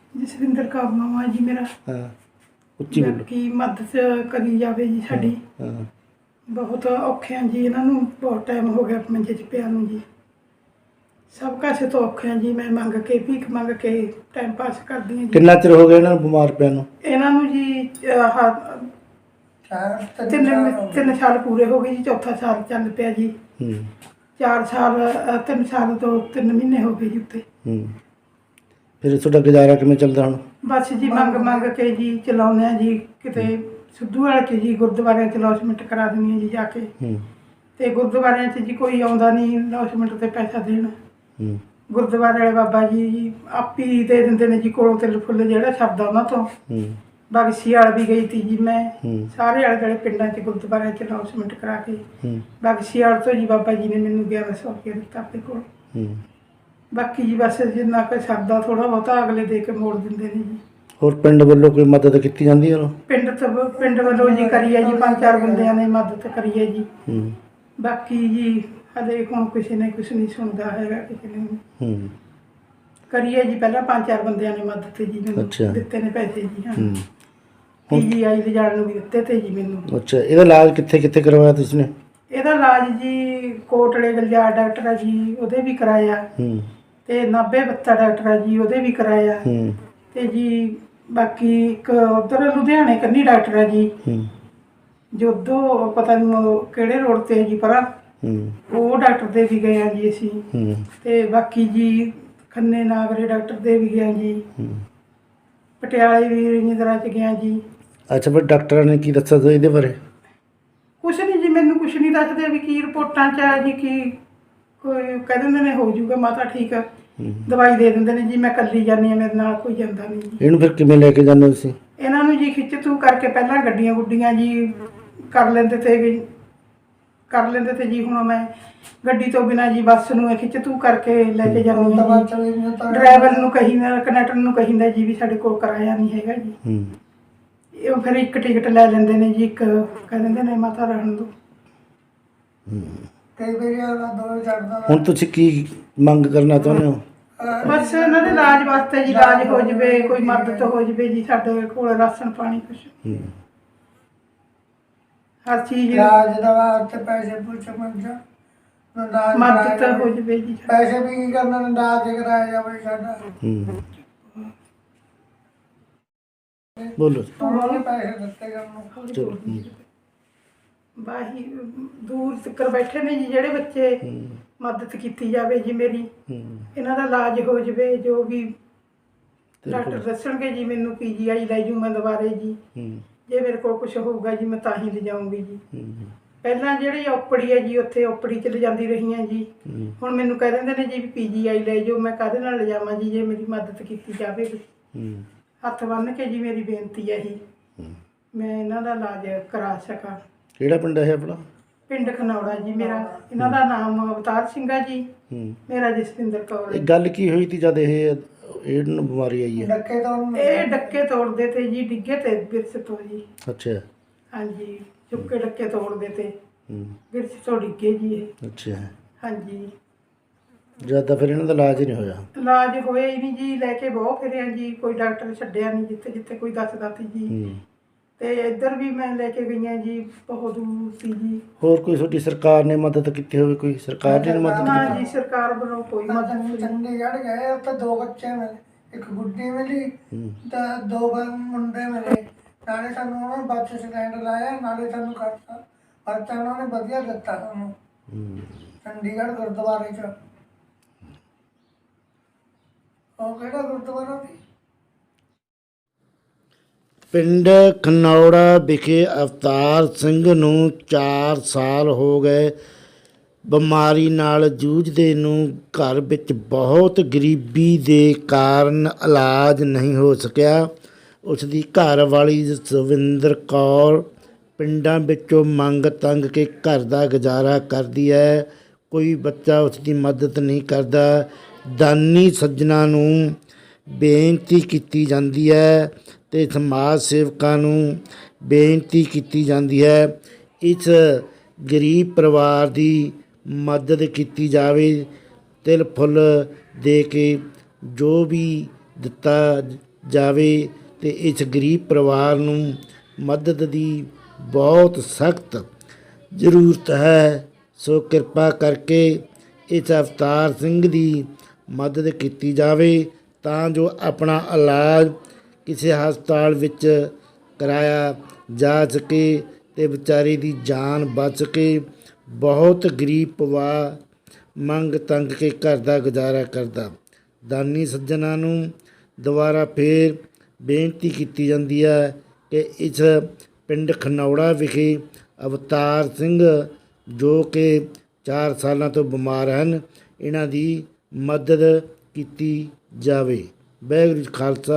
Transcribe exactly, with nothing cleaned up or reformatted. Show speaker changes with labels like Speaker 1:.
Speaker 1: ਜਸਵਿੰਦਰ ਕੌਰ ਨਾਮ ਆ ਜੀ ਮੇਰਾ।
Speaker 2: ਹਾਂ ਉੱਚੀ ਬੋਲੋ।
Speaker 1: ਬਾਕੀ ਮਦਦ ਕਰੀ ਜਾਵੇ ਜੀ ਸਾਡੀ।
Speaker 2: ਹਾਂ
Speaker 1: ਬਹੁਤ ਔਖੇ ਆ ਜੀ, ਇਹਨਾਂ ਨੂੰ ਬਹੁਤ ਟਾਈਮ ਹੋ ਗਿਆ ਮੰਜੇ 'ਚ ਪਿਆ ਨੂੰ ਜੀ। ਸਭ ਕਾਸੇ ਤੋਂ ਔਖੇ ਆ ਜੀ। ਮੈਂ ਮੰਗ ਕੇ ਭੀਖ ਮੰਗ ਕੇ ਟਾਈਮ ਪਾਸ ਕਰਦੀ ਹਾਂ ਜੀ।
Speaker 2: ਕਿੰਨਾ ਚਿਰ ਹੋ ਗਿਆ ਇਹਨਾਂ ਨੂੰ ਬਿਮਾਰ ਪਿਆ ਨੂੰ?
Speaker 1: ਇਹਨਾਂ ਨੂੰ ਜੀ ਆਹ ਤਿੰਨ ਤਿੰਨ ਸਾਲ ਪੂਰੇ ਹੋ ਗਏ ਜੀ, ਚੌਥਾ ਸਾਲ ਚੱਲ ਪਿਆ ਜੀ।
Speaker 2: ਹੂੰ
Speaker 1: ਚਾਰ ਸਾਲ ਅ, ਤਿੰਨ ਸਾਲ ਤੋਂ ਤਿੰਨ ਮਹੀਨੇ ਹੋ ਗਏ ਜੀ ਉੱਤੇ।
Speaker 2: ਹੂੰ ਫਿਰ ਤੁਹਾਡਾ ਗੁਜ਼ਾਰਾ ਕਿਵੇਂ ਚੱਲਦਾ ਹੁਣ?
Speaker 1: ਬਸ ਜੀ ਮੰਗ ਮੰਗ ਕੇ ਜੀ ਚਲਾਉਂਦੇ ਆ ਜੀ। ਕਿਤੇ ਸਿੱਧੂ ਵਾਲੇ 'ਚ ਜੀ ਗੁਰਦੁਆਰਿਆਂ 'ਚ ਲੌਸਮੈਂਟ ਕਰਾ ਦਿੰਦੀ ਹਾਂ ਜੀ ਜਾ ਕੇ।
Speaker 2: ਹੂੰ
Speaker 1: ਤੇ ਗੁਰਦੁਆਰਿਆਂ 'ਚ ਜੀ ਕੋਈ ਆਉਂਦਾ ਨਹੀਂ ਲੌਸਮੈਂਟ 'ਤੇ ਪੈਸਾ ਦੇਣ।
Speaker 2: ਹੂੰ
Speaker 1: ਗੁਰਦੁਆਰੇ ਵਾਲੇ ਬਾਬਾ ਜੀ ਜੀ ਆਪ ਹੀ ਦੇ ਦਿੰਦੇ ਨੇ ਜੀ, ਕੋਲੋਂ ਤਿਲ ਫੁੱਲ ਜਿਹੜਾ ਛਪਦਾ ਉਹਨਾਂ ਤੋਂ।
Speaker 2: ਹੂੰ
Speaker 1: ਬਗਸੀ ਵਾਲ ਵੀ ਗਈ ਤੀ ਜੀ ਮੈਂ,
Speaker 2: ਹੂੰ
Speaker 1: ਸਾਰੇ ਆਲੇ ਦੁਆਲੇ ਪਿੰਡਾਂ 'ਚ ਗੁਰਦੁਆਰਿਆਂ 'ਚ ਅਨਾਉਂਸਮੈਂਟ ਕਰਾ ਕੇ।
Speaker 2: ਹੂੰ
Speaker 1: ਬਗਸੀ ਵਾਲ ਤੋਂ ਜੀ ਬਾਬਾ ਜੀ ਨੇ ਮੈਨੂੰ ਗਿਆਰਾਂ ਸੌ ਰੁਪਏ ਦਿੱਤਾ ਆਪਣੇ ਕੋਲ।
Speaker 2: ਹੂੰ
Speaker 1: ਬਾਕੀ ਜੀ ਬਸ ਜਿੰਨਾ ਕੁ ਸਰਦਾ ਥੋੜ੍ਹਾ ਬਹੁਤਾ ਅਗਲੇ ਦੇ ਕੇ ਮੋੜ ਦਿੰਦੇ ਨੇ ਜੀ।
Speaker 2: ਹੋਰ ਪਿੰਡ ਵੱਲੋਂ ਕੋਈ ਮਦਦ ਕੀਤੀ ਜਾਂਦੀ ਹੈ?
Speaker 1: ਪਿੰਡ ਤੋਂ ਪਿੰਡ ਵੱਲੋਂ ਜੀ ਕਰੀ ਹੈ ਜੀ, ਪੰਜ ਚਾਰ ਬੰਦਿਆਂ ਨੇ ਮਦਦ ਕਰੀ ਹੈ ਜੀ।
Speaker 2: ਹੂੰ
Speaker 1: ਬਾਕੀ ਜੀ ਹਲੇ ਹੁਣ ਕਿਸੇ ਨੇ ਕੁਛ ਨਹੀਂ ਸੁਣਦਾ ਹੈਗਾ, ਕਿਸੇ ਨੇ
Speaker 2: ਹੂੰ
Speaker 1: ਕਰੀਏ ਜੀ। ਪਹਿਲਾਂ ਪੰਜ ਚਾਰ ਬੰਦਿਆਂ ਨੇ ਮਦਦ ਤੇ ਜੀ ਮੈਨੂੰ
Speaker 2: ਅੱਛਾ।
Speaker 1: ਦਿੱਤੇ ਨੇ ਪੈਸੇ ਜੀ। ਹਾਂ
Speaker 2: ਹੂੰ
Speaker 1: ਪੀਜੀਆਈ ਲਿਜਾਣ ਨੂੰ ਵੀ ਦਿੱਤੇ ਤੇ ਜੀ ਮੈਨੂੰ।
Speaker 2: ਅੱਛਾ, ਇਹਦਾ ਇਲਾਜ ਕਿੱਥੇ ਕਿੱਥੇ ਕਰਵਾਇਆ ਤੁਸੀਂ ਨੇ?
Speaker 1: ਇਹਦਾ ਇਲਾਜ ਜੀ ਕੋਟਲੇ ਗਲਜਾਰ ਡਾਕਟਰ ਆ ਜੀ, ਉਹਦੇ ਵੀ ਕਰਾਇਆ।
Speaker 2: ਹੂੰ
Speaker 1: ਤੇ ਨਾਭੇ ਬੱਤਾ ਡਾਕਟਰ ਆ ਜੀ, ਉਹਦੇ ਵੀ ਕਰਾਇਆ।
Speaker 2: ਹੂੰ
Speaker 1: ਤੇ ਜੀ ਬਾਕੀ ਇੱਕ ਉੱਧਰ ਲੁਧਿਆਣੇ ਕੰਨੀ ਡਾਕਟਰ ਆ ਜੀ,
Speaker 2: ਹੂੰ
Speaker 1: ਜੋਧੋ ਪਤਾ ਨਹੀਂ ਉਹ ਕਿਹੜੇ ਰੋਡ ਤੇ ਹੈ ਜੀ ਪਰਾਂ,
Speaker 2: ਹੂੰ
Speaker 1: ਉਹ ਡਾਕਟਰ ਦੇ ਵੀ ਗਏ ਆ ਜੀ ਅਸੀਂ।
Speaker 2: ਹੂੰ
Speaker 1: ਤੇ ਬਾਕੀ ਜੀ ਖੰਨੇ ਨਾਗਰੇ ਡਾਕਟਰ ਦੇ ਵੀ ਗਏ ਜੀ,
Speaker 2: ਹੂੰ
Speaker 1: ਪਟਿਆਲੇ ਵੀ ਰਜਿੰਦਰਾ ਚ ਗਿਆ ਜੀ।
Speaker 2: ਅੱਛਾ, ਫਿਰ ਡਾਕਟਰਾਂ ਨੇ ਕੀ ਦੱਸਿਆ ਸੀ ਇਹਦੇ ਬਾਰੇ?
Speaker 1: ਕੁਛ ਨਹੀਂ ਜੀ, ਮੈਨੂੰ ਕੁਛ ਨਹੀਂ ਦੱਸਦੇ ਵੀ ਕੀ ਰਿਪੋਰਟਾਂ 'ਚ ਆ ਜੀ, ਕੀ ਕੋਈ ਕਹਿ ਦਿੰਦੇ ਨੇ ਹੋ ਜਾਊਗਾ ਮਾਤਾ ਠੀਕ ਆ,
Speaker 2: ਹੂੰ
Speaker 1: ਦਵਾਈ ਦੇ ਦਿੰਦੇ ਨੇ ਜੀ। ਮੈਂ ਇਕੱਲੀ ਜਾਂਦੀ ਹਾਂ, ਮੇਰੇ ਨਾਲ ਕੋਈ ਜਾਂਦਾ ਨਹੀਂ ਜੀ।
Speaker 2: ਇਹਨੂੰ ਫਿਰ ਕਿਵੇਂ ਲੈ ਕੇ ਜਾਂਦੇ ਹੋ ਤੁਸੀਂ?
Speaker 1: ਇਹਨਾਂ ਨੂੰ ਜੀ ਖਿੱਚ ਤੂ ਕਰਕੇ ਪਹਿਲਾਂ ਗੱਡੀਆਂ ਗੁੱਡੀਆਂ ਜੀ ਕਰ ਲੈਂਦੇ ਤੇ ਵੀ ਕਰ ਲੈਂਦੇ ਤੇ ਜੀ। ਹੁਣ ਮੈਂ ਗੱਡੀ ਤੋਂ ਬਿਨਾਂ ਜੀ ਬੱਸ ਨੂੰ ਇਹ ਖਿੱਚ ਤੂ ਕਰਕੇ ਲੈ ਕੇ ਜਾਂਦੀ ਹਾਂ ਜੀ। ਡਰਾਈਵਰ ਨੂੰ ਕਹੀਦਾ, ਕੰਡਕਟਰ ਨੂੰ ਕਹੀਦਾ ਜੀ ਵੀ ਸਾਡੇ ਕੋਲ ਕਿਰਾਇਆ ਨਹੀਂ ਹੈਗਾ ਜੀ।
Speaker 2: ਹੂੰ
Speaker 1: ਉਹ ਫਿਰ ਇੱਕ ਟਿਕਟ ਲੈ ਲੈਂਦੇ ਨੇ ਜੀ, ਇੱਕ ਕਹਿ ਦਿੰਦੇ ਨੇ ਮਾਤਾ ਰਹਿਣ ਦਿਓ। ਕਈ ਵਾਰੀ ਦੋ ਚੜਦਾ।
Speaker 2: ਹੁਣ ਤੁਸੀਂ ਕੀ ਮੰਗ ਕਰਨਾ ਚਾਹੁੰਦੇ ਹੋ?
Speaker 1: ਬਸ ਇਹਨਾਂ ਦੇ ਇਲਾਜ ਵਾਸਤੇ ਜੀ, ਇਲਾਜ ਹੋ ਜਵੇ, ਕੋਈ ਮਦਦ ਹੋ ਜਵੇ ਜੀ। ਸਾਡੇ ਕੋਲ ਰਾਸ਼ਨ ਪਾਣੀ ਕੁਛ
Speaker 2: ਹੂੰ
Speaker 1: ਹਰ ਚੀਜ਼
Speaker 3: ਇਲਾਜ ਦਵਾ ਤੇ ਪੈਸੇ ਪੁੱਛ ਮੰਜਾ
Speaker 1: ਮਦਦ ਹੋ ਜਵੇ ਜੀ।
Speaker 3: ਪੈਸੇ ਵੀ ਕੀ ਕਰਨਾ, ਇਲਾਜ ਕਰਾਇਆ ਜਾਵੇ ਸਾਡਾ।
Speaker 2: ਹੂੰ ਬੋਲੋ।
Speaker 3: ਉਹਨਾਂ ਨੇ ਪੈਸੇ ਦਿੱਤੇ ਕਰਨ
Speaker 2: ਚਲੋ। ਹੂੰ
Speaker 1: ਬਾਹੀ ਦੂਰ ਤੱਕ ਬੈਠੇ ਨੇ ਜੀ ਜਿਹੜੇ ਬੱਚੇ,
Speaker 2: ਹੂੰ
Speaker 1: ਮਦਦ ਕੀਤੀ ਜਾਵੇ ਜੀ ਮੇਰੀ।
Speaker 2: ਹੂੰ
Speaker 1: ਇਹਨਾਂ ਦਾ ਇਲਾਜ ਹੋ ਜਵੇ, ਜੋ ਵੀ ਡਾਕਟਰ ਦੱਸਣਗੇ ਜੀ ਮੈਨੂੰ ਪੀਜੀਆਈ ਲੈ ਜੂ ਮੈਂ ਦੁਬਾਰੇ ਜੀ।
Speaker 2: ਹੂੰ
Speaker 1: ਜੇ ਮੇਰੇ ਕੋਲ ਕੁਝ ਹੋਊਗਾ ਜੀ ਮੈਂ ਤਾਂ ਹੀ ਲਿਜਾਊਂਗੀ ਜੀ।
Speaker 2: ਹੂੰ
Speaker 1: ਪਹਿਲਾਂ ਜਿਹੜੀ ਓਪੜੀ ਹੈ ਜੀ, ਉੱਥੇ ਓਪੜੀ 'ਚ ਲਿਜਾਂਦੀ ਰਹੀ ਹਾਂ ਜੀ।
Speaker 2: ਹੂੰ
Speaker 1: ਹੁਣ ਮੈਨੂੰ ਕਹਿ ਦਿੰਦੇ ਨੇ ਜੀ ਵੀ ਪੀਜੀਆਈ ਲੈ ਜਾਓ। ਮੈਂ ਕਾਹਦੇ ਨਾਲ ਲਿਜਾਵਾਂ ਜੀ, ਜੇ ਮੇਰੀ ਮਦਦ ਕੀਤੀ ਜਾਵੇ।
Speaker 2: ਹੂੰ
Speaker 1: ਹੱਥ ਬੰਨ੍ਹ ਕੇ ਜੀ ਮੇਰੀ ਬੇਨਤੀ ਹੈ ਇਹੀ,
Speaker 2: ਹੂੰ
Speaker 1: ਮੈਂ ਇਹਨਾਂ ਦਾ ਇਲਾਜ ਕਰਾ ਸਕਾਂ।
Speaker 2: ਕਿਹੜਾ ਪਿੰਡ ਹੈ ਆਪਣਾ?
Speaker 1: ਪਿੰਡ ਖਨੌੜਾ ਜੀ ਮੇਰਾ। ਇਹਨਾਂ ਦਾ ਨਾਮ ਅਵਤਾਰ ਸਿੰਘ ਆ ਜੀ,
Speaker 2: ਹੂੰ
Speaker 1: ਮੇਰਾ ਜਸਵਿੰਦਰ ਕੌਰ
Speaker 2: ਇਹ
Speaker 1: ਹੈ।
Speaker 2: ਗੱਲ ਕੀ ਹੋਈ ਤੀ ਜਦ ਇਹ ਇਹਨੂੰ ਬਿਮਾਰੀ ਆਈ ਹੈ?
Speaker 3: ਡੱਕੇ ਤੋਂ
Speaker 1: ਇਹ ਡੱਕੇ ਤੋੜਦੇ ਤੇ ਜੀ, ਡਿੱਗੇ ਤੇ ਬਿਰਸ ਤੋਂ ਜੀ।
Speaker 2: ਅੱਛਾ।
Speaker 1: ਹਾਂਜੀ, ਚੁੱਕੇ ਡੱਕੇ ਤੋੜਦੇ ਤੇ
Speaker 2: ਹੂੰ
Speaker 1: ਬਿਰਸ ਤੋਂ ਡਿੱਗੇ ਜੀ ਇਹ।
Speaker 2: ਅੱਛਾ।
Speaker 1: ਹਾਂਜੀ,
Speaker 2: ਜਦ ਤਾਂ ਫਿਰ ਇਹਨਾਂ ਦਾ ਇਲਾਜ ਹੀ ਨਹੀਂ ਹੋਇਆ?
Speaker 1: ਇਲਾਜ ਹੋਇਆ ਹੀ ਨਹੀਂ ਜੀ। ਲੈ ਕੇ ਬਹੁਤ ਫਿਰਿਆ ਜੀ, ਕੋਈ ਡਾਕਟਰ ਛੱਡਿਆ ਨਹੀਂ ਜਿੱਥੇ ਜਿੱਥੇ ਕੋਈ ਦੱਸਦਾ ਸੀ ਜੀ।
Speaker 2: ਹੂੰ
Speaker 1: ਤੇ ਇੱਧਰ ਵੀ ਮੈਂ ਲੈ ਕੇ ਗਈਆਂ ਜੀ, ਬਹੁਤ ਦੂਰ ਸੀ ਜੀ।
Speaker 2: ਹੋਰ ਕੋਈ ਤੁਹਾਡੀ ਸਰਕਾਰ ਨੇ ਮਦਦ ਕੀਤੀ ਹੋਵੇ? ਕੋਈ ਸਰਕਾਰ ਨੇ ਮਦਦ
Speaker 1: ਨਾ
Speaker 2: ਕੀਤੀ?
Speaker 1: ਜੀ, ਸਰਕਾਰ ਵੱਲੋਂ ਕੋਈ ਮਦਦ ਨਹੀਂ।
Speaker 3: ਚੰਡੀਗੜ੍ਹ ਗਏ, ਉੱਥੇ ਦੋ ਬੱਚੇ ਮਿਲੇ, ਇੱਕ ਗੁੱਡੀ ਮਿਲੀ
Speaker 2: ਹੂੰ
Speaker 3: ਤੇ ਦੋ ਬ- ਮੁੰਡੇ ਮਿਲੇ। ਨਾਲੇ ਸਾਨੂੰ ਉਹਨਾਂ ਨੇ ਬੱਸ ਸਟੈਂਡ ਲਾਇਆ, ਨਾਲੇ ਸਾਨੂੰ ਖਰਚਾ ਖਰਚਾ ਉਹਨਾਂ ਨੇ ਵਧੀਆ ਦਿੱਤਾ ਸਾਨੂੰ
Speaker 2: ਹੂੰ
Speaker 3: ਚੰਡੀਗੜ੍ਹ ਗੁਰਦੁਆਰੇ 'ਚ। ਉਹ ਕਿਹੜਾ ਗੁਰਦੁਆਰਾ ਸੀ?
Speaker 2: ਪਿੰਡ ਖਨੌੜਾ ਵਿਖੇ ਅਵਤਾਰ ਸਿੰਘ ਨੂੰ ਚਾਰ ਸਾਲ ਹੋ ਗਏ ਬਿਮਾਰੀ ਨਾਲ ਜੂਝਦੇ ਨੂੰ। ਘਰ ਵਿੱਚ ਬਹੁਤ ਗਰੀਬੀ ਦੇ ਕਾਰਨ ਇਲਾਜ ਨਹੀਂ ਹੋ ਸਕਿਆ। ਉਸ ਦੀ ਘਰ ਵਾਲੀ ਜਸਵਿੰਦਰ ਕੌਰ ਪਿੰਡਾਂ ਵਿੱਚੋਂ ਮੰਗ ਤੰਗ ਕੇ ਘਰ ਦਾ ਗੁਜ਼ਾਰਾ ਕਰਦੀ ਹੈ। ਕੋਈ ਬੱਚਾ ਉਸ ਦੀ ਮਦਦ ਨਹੀਂ ਕਰਦਾ। ਦਾਨੀ ਸੱਜਣਾ ਨੂੰ ਬੇਨਤੀ ਕੀਤੀ ਜਾਂਦੀ ਹੈ ਅਤੇ ਸਮਾਜ ਸੇਵਕਾਂ ਨੂੰ ਬੇਨਤੀ ਕੀਤੀ ਜਾਂਦੀ ਹੈ ਇਸ ਗਰੀਬ ਪਰਿਵਾਰ ਦੀ ਮਦਦ ਕੀਤੀ ਜਾਵੇ। ਤਿਲ ਫੁੱਲ ਦੇ ਕੇ ਜੋ ਵੀ ਦਿੱਤਾ ਜਾਵੇ ਤੇ ਇਸ ਗਰੀਬ ਪਰਿਵਾਰ ਨੂੰ ਮਦਦ ਦੀ ਬਹੁਤ ਸਖਤ ਜ਼ਰੂਰਤ ਹੈ। ਸੋ ਕਿਰਪਾ ਕਰਕੇ ਇਸ ਅਵਤਾਰ ਸਿੰਘ ਦੀ ਮਦਦ ਕੀਤੀ ਜਾਵੇ ਤਾਂ ਜੋ ਆਪਣਾ ਇਲਾਜ ਕਿਸੇ ਹਸਪਤਾਲ ਵਿੱਚ ਕਰਾਇਆ ਜਾ ਸਕੇ ਤੇ ਵਿਚਾਰੇ ਦੀ ਜਾਨ ਬਚ ਸਕੇ। ਬਹੁਤ ਗਰੀਬ ਪਰਿਵਾਰ ਮੰਗ ਤੰਗ ਕੇ ਘਰ ਦਾ ਗੁਜ਼ਾਰਾ ਕਰਦਾ। ਦਾਨੀ ਸੱਜਣਾ ਨੂੰ ਦੁਬਾਰਾ ਫੇਰ ਬੇਨਤੀ ਕੀਤੀ ਜਾਂਦੀ ਹੈ ਕਿ ਇਸ ਪਿੰਡ ਖਨੌੜਾ ਵਿਖੇ ਅਵਤਾਰ ਸਿੰਘ ਜੋ ਕਿ ਚਾਰ ਸਾਲਾਂ ਤੋਂ ਬਿਮਾਰ ਹਨ, ਇਹਨਾਂ ਦੀ ਮਦਦ ਕੀਤੀ ਜਾਵੇ। ਵਾਹਿਗੁਰੂ ਜੀ ਕਾ ਖਾਲਸਾ